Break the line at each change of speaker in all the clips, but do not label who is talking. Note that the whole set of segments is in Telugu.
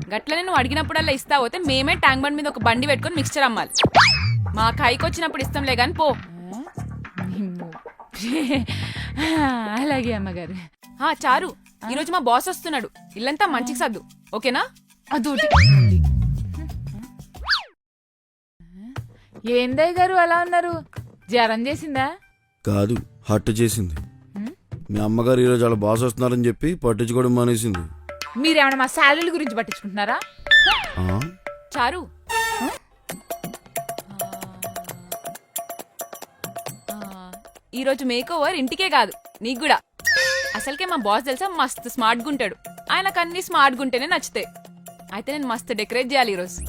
గట్లనే నువ్వు అడిగినప్పుడల్లా ఇస్తా పోతే మేమే ట్యాంక్ బండ్ మీద ఒక బండి పెట్టుకొని మిక్స్చర్ అమ్మాలి. మా కైకి వచ్చినప్పుడు ఇస్తాంలే గాని పో.
అలాగే అమ్మగారు.
చారు, ఈరోజు మా బాస్ వస్తున్నాడు. ఇల్లంతా మంచికి సర్దు, ఓకేనా?
అదోటి. ఏందయ్య గారు అలా ఉన్నారు? జ్వరం చేసిందా?
కాదు, హట్టు చేసింది. మీ అమ్మగారు ఈరోజు వాళ్ళ బాస్ వస్తున్నారని చెప్పి పట్టించుకోవడం మానేసింది.
మీరేమన్నా మా శాలరీల గురించి పట్టించుకుంటున్నారా?
చారు, ఈరోజు మేక్ ఓవర్ ఇంటికే కాదు నీకు కూడా. అసలుకే మా బాస్ తెలుసా మస్తు స్మార్ట్ గుంటాడు. ఆయనకు అన్ని స్మార్ట్ గుంటేనే నచ్చుతాయి. అయితే నేను మస్తు డెకరేట్ చేయాలి ఈరోజు.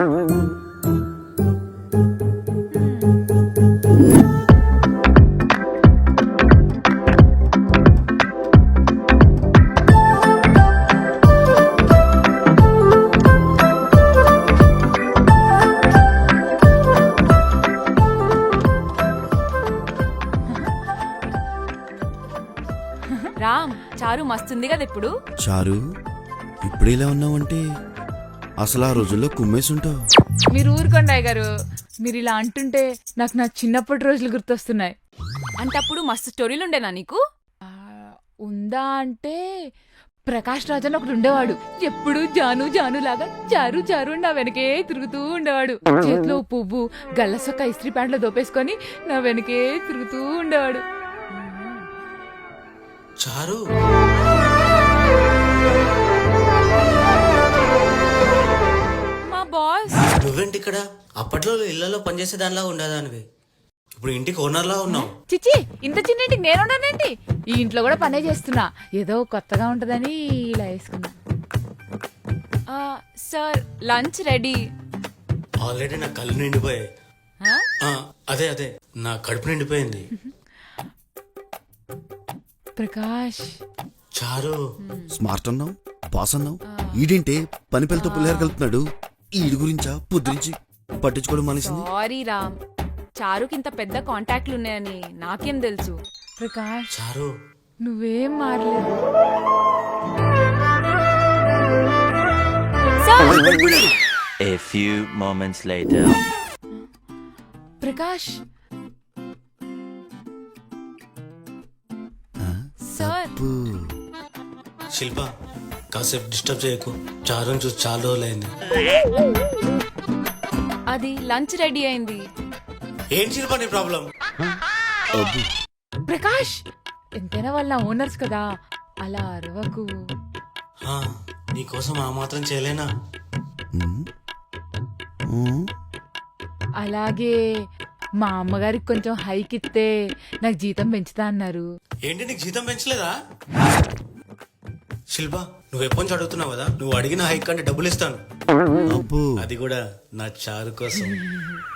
రామ్, చారు మస్తుంది కదా ఇప్పుడు.
చారు, ఇప్పుడు ఇలా ఉన్నావంటే అసలు ఆ రోజుల్లో కుమ్మేసి ఉంటావు.
మీరు ఊరుకోండి గారు. మీరు ఇలా అంటుంటే నాకు నా చిన్నప్పటి రోజులు గుర్తొస్తున్నాయి.
అంటే అప్పుడు మస్తు స్టోరీలు ఉండేనా నీకు?
ఉందా అంటే ప్రకాష్ రాజ్ అని ఒకడు ఉండేవాడు. ఎప్పుడు జాను జాను లాగా చారు చారు నా వెనకే తిరుగుతూ ఉండేవాడు. చేతిలో పువ్వు గల్లసొక్క ఇస్త్రీ ప్యాంట్లో దోపేసుకొని నా వెనకే తిరుగుతూ ఉండేవాడు.
చారు,
మా బాస్.
నువ్వేంటి ఇక్కడ? అప్పట్లో ఇళ్లలో పనిచేసే దానిలా ఉండేదానివి, ఇప్పుడు ఇంటికి ఓనర్లా ఉన్నావు.
చిచ్చి, ఇంత చిన్న ఇంటికి నేనున్నానేంటి? ఈ ఇంట్లో కూడా పనే చేస్తున్నా. ఏదో కొత్తగా ఉంటదని ఇలా వేసుకున్నా.
Sir, lunch ready.
ఆల్రెడీ నా కళ్ళు నిండిపోయాయి. అదే అదే నా కడుపు నిండిపోయింది.
ప్రకాష్,
చారు,
స్మార్ట్ అన్నావు, బాస్ అన్నావు. ఈడేంటే పని పిల్లతో పుల్లారు కలుపుతున్నాడు. ఈడి గురించా పొద్దురించి పట్టించుకోవడం మానేసింది.
సారీ రామ్, చారుకి ఇంత పెద్ద కాంటాక్ట్లు ఉన్నాయని నాకేం తెలుసు.
ప్రకాష్,
చారు,
నువ్వేం మారలేదు.
A few moments later.
Prakash,
sir.
Shilpa, కాసేపు డిస్టర్బ్ చేయకు. చారుని చూసి చాలా రోజులైంది.
అది లంచ్ రెడీ అయింది.
ఏంటి శిల్ప నీ ప్రాబ్లం?
ప్రకాష్, ఎంతైనా వాళ్ళ ఓనర్స్ కదా, అలా అరవకు.
నీకోసం ఆ మాత్రం చేయలేనా?
అలాగే మా అమ్మగారికి కొంచెం హైక్ ఇస్తే నాకు జీతం పెంచుతా అన్నారు.
ఏంటి, నీకు జీతం పెంచలేదా? శిల్ప, నువ్వు ఎప్పటి నుంచి అడుగుతున్నావు కదా, నువ్వు అడిగిన హైక్ కంటే డబ్బులు ఇస్తాను. అది కూడా నా చారు కోసం.